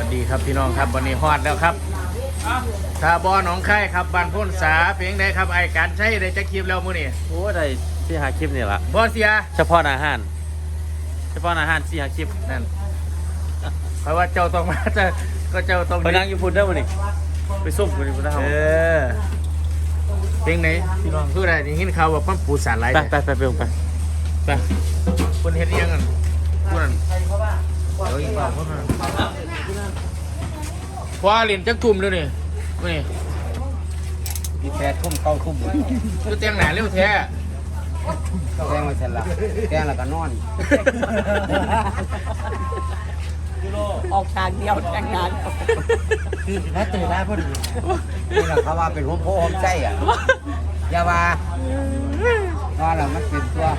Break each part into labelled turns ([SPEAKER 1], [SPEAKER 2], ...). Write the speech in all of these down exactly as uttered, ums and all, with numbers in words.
[SPEAKER 1] ดีครับพี่น้องครับวันนี้ฮอดแล้วครับทาบอหนองไข่ครับบ้านพ้นสาเพียงใดครับไอ้การใช้ได้จะคลิปแล้วมื้อนี้
[SPEAKER 2] โอ้ได้สี่หาคลิปนี่ละ
[SPEAKER 1] บอเสีย
[SPEAKER 2] เฉพาะอาหารเฉพาะอาหารสี่หาคลิป
[SPEAKER 1] นั่นเพราะว่าเจ้าต้องมาจะก็เจ้าต้อง
[SPEAKER 2] ไปนั่งอยู่พุ่นได้อมื้อนี้ไปซุ่มพุ่นนี่พุ่นได้เฮา
[SPEAKER 1] เออเพียงไหนพี่น้องคือได้ยินข่าวว่าเพิ่นปูสารหลาย
[SPEAKER 2] ไปไปไปไปลงไป
[SPEAKER 1] ไปเพิ่นเฮ็ดอีหยังกันผู้นั้นเดี๋ยวอีกเปล่าเพิ่นมาพอเล่นจักทุ่มแล้วนี่มื้อนี้
[SPEAKER 3] มีแปดทุ่มเก้าทุ่ม
[SPEAKER 1] คือแต่งหน้าเร็วแท้
[SPEAKER 3] แกงมาเสร็จละแกงแล้วก็นอน
[SPEAKER 4] ออกฉากเดียวแต่งงาน
[SPEAKER 3] คือถ้าตื่นได้พอดีนี่แหละเขาว่าเป็นหัวโพหัวใจอ่ะอย่าว่าว่าเรามันเป็นตัว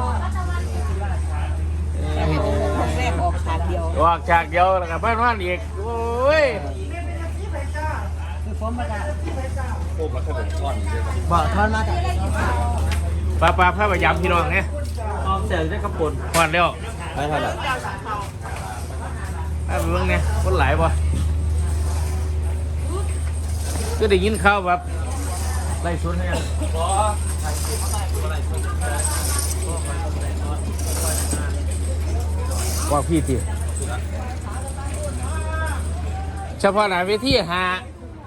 [SPEAKER 4] แรกออกฉากเดียว
[SPEAKER 1] ออกฉากเดียวแล้วก็บ้านว่านอีกโอ้ย
[SPEAKER 4] คือผมมาจาก
[SPEAKER 2] โอ้มาขนมก้อนนี่ด้วย
[SPEAKER 4] บ่อทอนมาจาก
[SPEAKER 1] ปลาปลาพระพยามพี่น้องเนี่ย
[SPEAKER 2] ออมเสียได้กระปุน
[SPEAKER 1] ฮอดแล้ว
[SPEAKER 2] ไปเท่าไหร่
[SPEAKER 1] ถ้าเบิ่งเนี่ยคนหลายบ่ก็ได้ยินข่าวแบบไล่ชนให้ยังว่าพี่ตีเฉพาะหน้าเวทีหา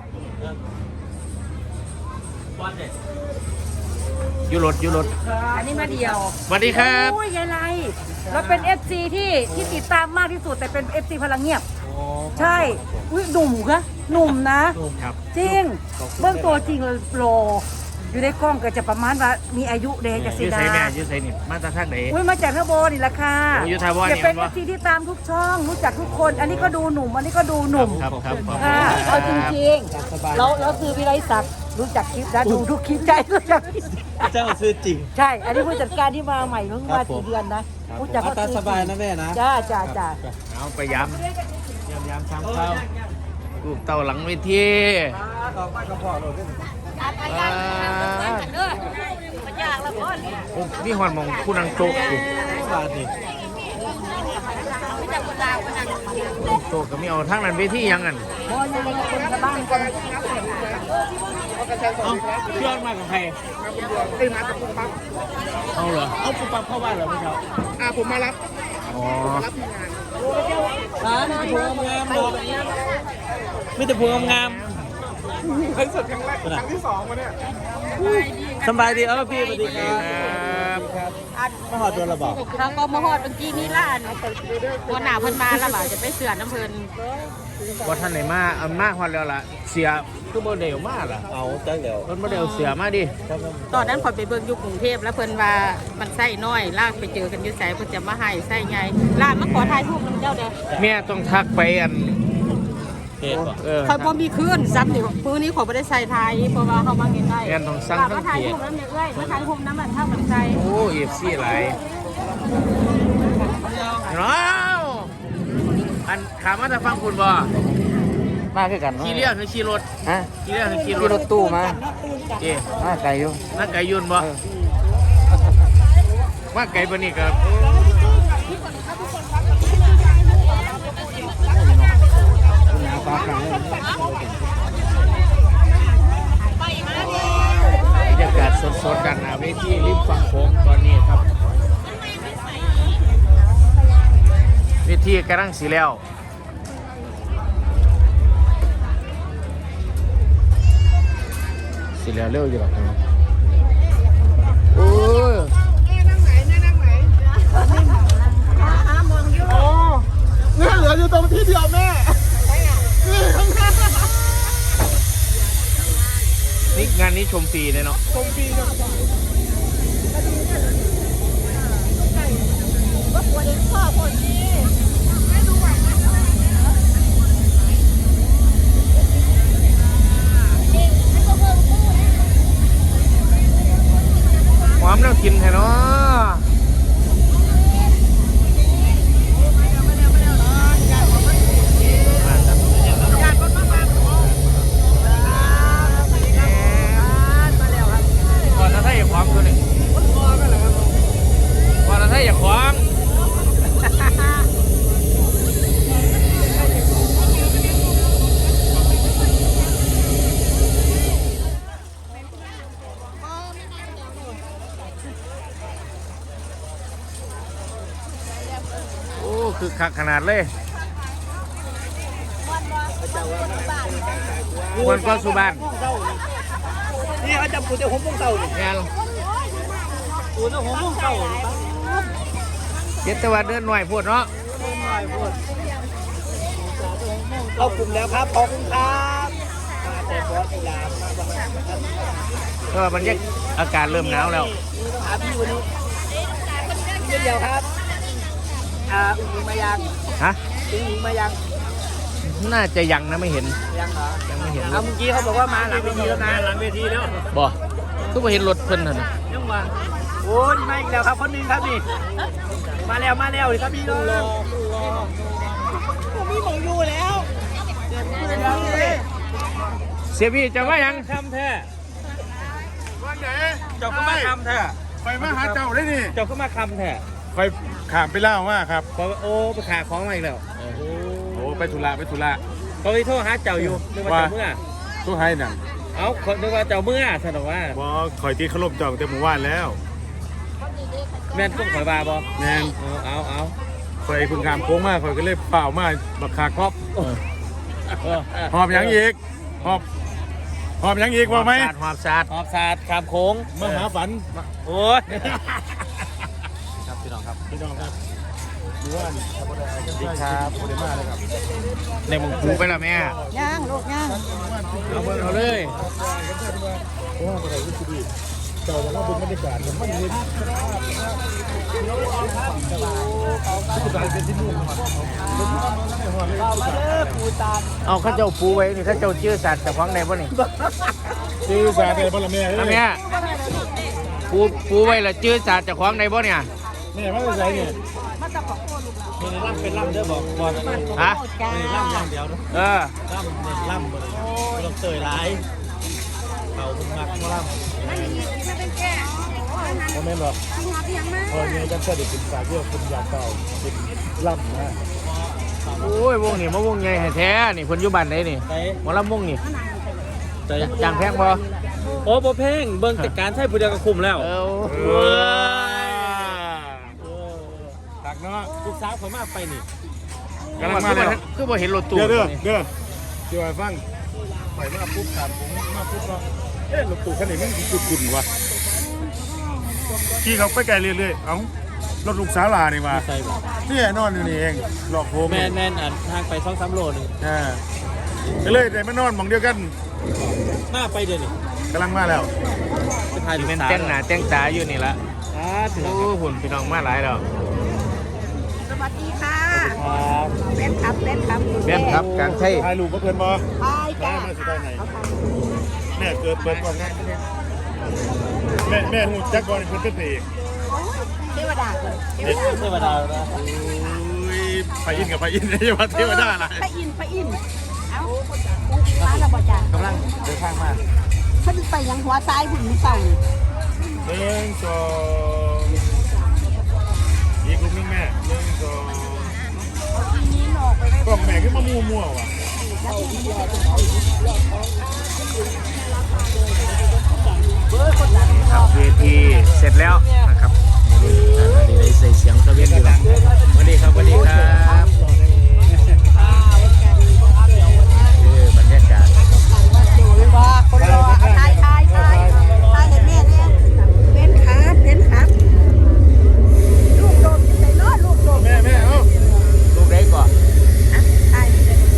[SPEAKER 1] อยู่รถอยู่รถ
[SPEAKER 4] อันนี้มาเดียว
[SPEAKER 1] สวัสดีครับ
[SPEAKER 4] โอ้ยยายไรเราเป็น เอฟ ซี ที่ที่ติดตามมากที่สุดแต่เป็น เอฟ ซี พลังเงียบใช่อุ้ยหนุ่มคะหนุ่มนะครับ จริงเบื้องตัวจริงเลยโปรอยู่ในกล้องก็จะประมาณว่ามีอายุเด็กกับ
[SPEAKER 1] ยื
[SPEAKER 4] สี
[SPEAKER 1] ด
[SPEAKER 4] ดา
[SPEAKER 1] ใส่แม่ยืดใส่นี่มาตาทางไหน
[SPEAKER 4] อุ้ยมาจากทบนี่แหละค่ะ
[SPEAKER 1] โอ้ยอยู่ทบนี่
[SPEAKER 4] จะเป็น
[SPEAKER 1] เห็
[SPEAKER 4] เอน
[SPEAKER 1] ปะ
[SPEAKER 4] ฟซีที่ตามทุกช่องรู้จักทุกคน อันนี้ก็ดูหนุ่มอันนี้ก็ดูหนุ่ม
[SPEAKER 1] ครับครับครับ
[SPEAKER 4] ค่ะเอาจริงๆเราเราคือวิไลศักดิ์รู้จักคลิปนะดูทุกคลิปใจรู้จัก
[SPEAKER 2] เจ้าซื้อจริง
[SPEAKER 4] ใช่ อันนี้ผู้จัดการที่มาใหม่เพิ่งมาสี่เดือนนะผู้จัด
[SPEAKER 2] เอาตาสบายนะแม่นะ
[SPEAKER 4] จ้าจ้าจ้า
[SPEAKER 1] เอาไปย้ำย้ำย้ำซ้ำเข้าลูกเต่าหลังเวที
[SPEAKER 3] ดอกไม้กระเพาะเราด้วย
[SPEAKER 1] โอ้นี่หอนมองคู่นางโจกอยู่
[SPEAKER 2] บาทนี่
[SPEAKER 1] โจกก็ไม่เอาทั้งนั้นเวทียังกัน
[SPEAKER 4] พอยังคนชาวบ้านคน
[SPEAKER 1] เอาเพื่อนมากับใครเอาเหรอเอาปุ๊บปั๊บเข้าบ้านเหรอพี่เช้า
[SPEAKER 3] อ่าผมมารับ
[SPEAKER 1] อ๋อ
[SPEAKER 2] ร้านมีแต่พวงงามๆบอกมีแต่พวงงาม
[SPEAKER 3] ครั้งสุดครั้งแรกครั้งที่สองมาเนี่ย
[SPEAKER 2] ๆสบายดีเออพี่สวัสดีค
[SPEAKER 1] ค
[SPEAKER 2] รั
[SPEAKER 1] รั
[SPEAKER 2] บบ มาหอดตัวระบอก
[SPEAKER 5] เขาก็มาฮอดเมื่อกี้นี่ล่ะตัวหนาเพิ่นมาแล้วบ่าจะไปเสือน้ำเพิ่น
[SPEAKER 1] ว่าท่านไหนมาเอามากฮอดแล้วล่ะเสียคือโมเดลมากล่ะ
[SPEAKER 2] เอาจังเดี๋ยว
[SPEAKER 1] รถโมเดลเสียมาดิ
[SPEAKER 5] ตอนนั้นพอยไปเบิ่งอยู่กรุงเทพแล้วเพิ่นว่ามันไส้น้อยลากไปเจอกันอยู่ไสเพิ่นจะมาให้ไส้ใหญ่ลากมาขอถ่ายรูปนำเจ้าเด้อ
[SPEAKER 1] แม่ต้องทักไปอัน
[SPEAKER 2] เทปก่อน
[SPEAKER 1] เออ
[SPEAKER 5] คอยบ่มีคืนซ้ำนี่ปืนนี้ขอยบ่ได้ใส่ถ่ายเพราะว่าเฮามาใกล้
[SPEAKER 1] แม่นต้องสั่ง
[SPEAKER 5] ลาก
[SPEAKER 1] ทั้
[SPEAKER 5] มาง ถ่าย
[SPEAKER 1] เกีย
[SPEAKER 5] รู
[SPEAKER 1] ร
[SPEAKER 5] ปนำเนี่ยเอ้ยมาถ่ายรูปนำมันทางมันใจ
[SPEAKER 1] โอ้เอฟซีหลายน้าวอันขามาจะฟังคุณบ่
[SPEAKER 3] มาคือกัน
[SPEAKER 1] ขี่เรือคือขี่รถ
[SPEAKER 3] ฮะ
[SPEAKER 1] ขี่เรือคือขี่ร
[SPEAKER 3] ขี่
[SPEAKER 1] ถ
[SPEAKER 3] รถตู้มา
[SPEAKER 1] เจ๊
[SPEAKER 3] มาไกลอยู่
[SPEAKER 1] นั่งไก่ยุนบ่ว่าไก่ปนี่ครับบรรยากาศสดๆกันนะเวทีริมฝั่งโขงตอนนี้ครับเวทีกำลังสีแล้วสีแล้วเร็วอยู่หรอกโอ้ยเนี่ยเหลืออยู่ตรงที่เดียวแม่นี่งานนี้ชมฟรีเลยเนาะชมฟรีเนาะหอมแล้วกินแท้เนาะก่อนจะได้ความคือคักขนาดเลยมวนก็สุบาน
[SPEAKER 2] นี่เขาจะปูแต่ผมพวกเต่านี่
[SPEAKER 1] งาน
[SPEAKER 2] ปูแต่ผมพวกเต่า
[SPEAKER 1] เจ็ดตะวันเดินหน่อยพูดเนาะ
[SPEAKER 2] เข้ากลุ่มแล้วครับขอบคุณครับมาแต่บอสกีฬามาบ้าง
[SPEAKER 1] ก็มันยังอากาศเริ่มหนาวแล้ว
[SPEAKER 2] หาพี่วันนี้เดียวครับอ่าอุ้งอิงมายัง
[SPEAKER 1] ฮะ
[SPEAKER 2] อุ้งอิงมายัง
[SPEAKER 1] น่าจะยังนะไม่เห็น
[SPEAKER 2] ยังเหรอ
[SPEAKER 1] ยังไม่เห็น
[SPEAKER 2] เอาเมื่อกี้เขาบอกว่ามาหลังเวทีแล้วนะหลังเวทีแล้ว
[SPEAKER 1] บ่ก็ไม่เห็นรถเพิ่นน่ะนะ
[SPEAKER 2] ยังวันโอ้ยมาอีกแล้วครับคนหนึงครับนี่มาแล้วมาแล้วนี่ครับพี่น้องผมมีหมองอยู่แล้ว
[SPEAKER 1] เสียพี่จะว่ายัง
[SPEAKER 2] ทำแท้
[SPEAKER 6] วันไหน
[SPEAKER 2] เจ้าก็มาทำแท้
[SPEAKER 6] ไปมาหาเจ้าได้นี่
[SPEAKER 2] เจ้าก็มาทำแท้
[SPEAKER 6] ไปขามไปเล่าว่าครับ
[SPEAKER 2] พอโอ้ไปขาของมาอีกแล้ว
[SPEAKER 6] โอ้ไปธุระไปธุระ
[SPEAKER 2] เขาไปโทษหาเจ้าอยู่นึกว่าเจ้าเมื่อ
[SPEAKER 6] ตู้ให้หนัง
[SPEAKER 2] เอ้าคนนึกว่าเจ้าเมื่อสนอกว่า
[SPEAKER 6] บอคอยตีขลบเจ้าแต่หมู่บ้านแล้ว
[SPEAKER 2] แม่นต้องข่อยบาบอ
[SPEAKER 6] แมน
[SPEAKER 2] เอาเอาเอา
[SPEAKER 6] คอยคุณขามโค้งมากคอยก็เลยเปล่ามาบักคาครอบ
[SPEAKER 1] เออ
[SPEAKER 6] หอบหยังอีกหอบหอบหยังอีกว่าไหม
[SPEAKER 1] หอบสาด
[SPEAKER 2] หอบศาสตร์ขามโค้ง
[SPEAKER 6] มาหาฝัน
[SPEAKER 2] โอ้ย
[SPEAKER 6] ครับพี่น้องครับพี่น้องครับดูว่าดีครับโคเดมาเลยครับ
[SPEAKER 1] ในหมุงคูไปแล้วแม่
[SPEAKER 4] ย่างลูกย่าง
[SPEAKER 1] เอาเบิ่งเอาเลย
[SPEAKER 6] โอ้อะไรก็คือดีเจ้าจะมาดูบรรยากาศมันเห็นสุดท้ายเป็นที่นู่นมา
[SPEAKER 1] เอาเข้าเจ้าปูไว้นี่เข้าเจ้าชื่อสัตว์แต่ของในบ่นี่
[SPEAKER 6] ชื่อสาเป็นพลเมือง
[SPEAKER 1] อันเนี้ยปูปูไว้ละชื่อสัตว์แต่ของในบ่เนี่ย
[SPEAKER 6] เนี่ยมาใส่เนี่ย
[SPEAKER 2] มีล่ำเป็นล่ำเด้อบอกบอก
[SPEAKER 1] ฮะ
[SPEAKER 2] มีล่ำอย่างเดียวเนาะ
[SPEAKER 1] เออ
[SPEAKER 2] ล่ำเนี่ยล่ำหมดเลยไม่ต้องเตยร้ายเขาเพิ่งมักมาล่ำ
[SPEAKER 6] โมเมนต์หรอกพอเนี่ยจังเสด็จเป็นสายเยอะคุณอยากเก่าเป็นล่ำนะ
[SPEAKER 1] โอ้ยวงนี่มาวงใหญ่ให้แท้นี่เพิ่นอยู่บ้านไหนนี่
[SPEAKER 2] ไป
[SPEAKER 1] หมอลำวงนี่
[SPEAKER 2] ไป
[SPEAKER 1] จางแพงบ่
[SPEAKER 2] โอ้โหเพ่งเบิ่งแต่การใช้ผู้เดียวก็คุมแล้ว
[SPEAKER 1] เออ
[SPEAKER 6] เออตักเนาะ
[SPEAKER 2] ลูกสาวเขามาไปนี่
[SPEAKER 6] กำลังมาแล้ว
[SPEAKER 1] คือบ่เห็นรถตู้
[SPEAKER 6] เด้อเด้อเด้อเดี๋ยวฟังไปมาปุ๊บถามผมมาปุ๊บว่าเอ๊ะรถตู้คันนี้มันกุดกุ่นวะขี่เขาไปไกลเรื่อยๆเอ้ารถลูกสาวลานี่วะ
[SPEAKER 2] ใช่ป่ะ
[SPEAKER 6] นี่นอนอยู่นี่เองหลอกผม
[SPEAKER 2] แมนแมนอ่ะทางไปสองสามโลนึง
[SPEAKER 6] อ่าก็เลยได้มานอนหมองเดียวกัน
[SPEAKER 2] มาไปเดี๋ยวนี้
[SPEAKER 6] กำลังมาแล้ว
[SPEAKER 2] ไปถ่ายลูก
[SPEAKER 1] เป็น
[SPEAKER 2] สาว
[SPEAKER 1] แต่งหน้าแต่งตาอยู่นี่ละ
[SPEAKER 2] อ่าถึง
[SPEAKER 1] โอ้หุ่นพี่น้องมาหลายแล้ว
[SPEAKER 4] สวัสดีค่ะ
[SPEAKER 2] ครับ
[SPEAKER 4] เล่นครับเล่นครับ
[SPEAKER 1] แม่นครับการใช้
[SPEAKER 6] ถ่ายรูปก็เพื่อนบอ
[SPEAKER 4] ไปจ้า
[SPEAKER 6] มาสิได้ไหนแม่เกิดเปิดก่อนนะแม่แม่หูจักบอลเพื่อนเป็นเอก
[SPEAKER 4] เทวดาเลย
[SPEAKER 6] เด็ก
[SPEAKER 2] เทวดานะ
[SPEAKER 6] โอ้ยไปอินกับไปอินนี่ว่าเทวดาอะไร
[SPEAKER 4] ไปอินไปอินเอ้าองค์อิงร้านเราบ่จ้าก
[SPEAKER 2] ำลังเดินทางมา
[SPEAKER 4] เพิ่นไปยังหัวซ้ายหุ่นมือเศร้านี่
[SPEAKER 6] หนึ่งสองอีกลูกนึงแม่หนึ่งสอง
[SPEAKER 4] ทีนี้หนอกไปได้
[SPEAKER 6] กล่องแม่ขึ้นมามัวมัวว่ะ
[SPEAKER 1] ครับเวทีเสร็จแล้วนะครับอันนี้ได้ใส่เสียงตะเวนอยู่หลังสวัสดีครับสวัสดีครับเออบรรยากาศ
[SPEAKER 4] ว่าคนรอเอาทายทายทายทายเห็นแม่เนี่ยเป็นครับเป็นครับลูกโดมใส่ล้อลูกโดม
[SPEAKER 6] แม่แม่เอ้า
[SPEAKER 1] ลูกได้ก่อน
[SPEAKER 4] อ่ะทาย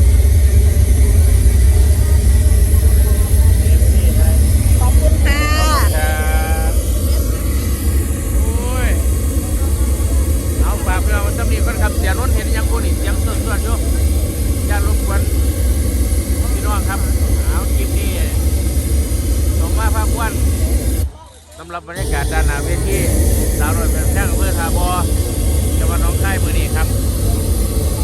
[SPEAKER 4] ขอบคุณค่ะ
[SPEAKER 1] ครับโอ้ยเอาฝากพี่น้องสำนีก่อนครับเสียนนท์เห็นยังคนอีกเสียงสดๆอยู่อย่ารบกวนพี่น้องครับเอาคลิปนี้ส่งมาภาควันสำหรับบรรยากาศด้านหน้าเวทีสาวน้อยเป็นแท่งอำเภอทาบอจังหวัดหนองคายมือนี้ครับ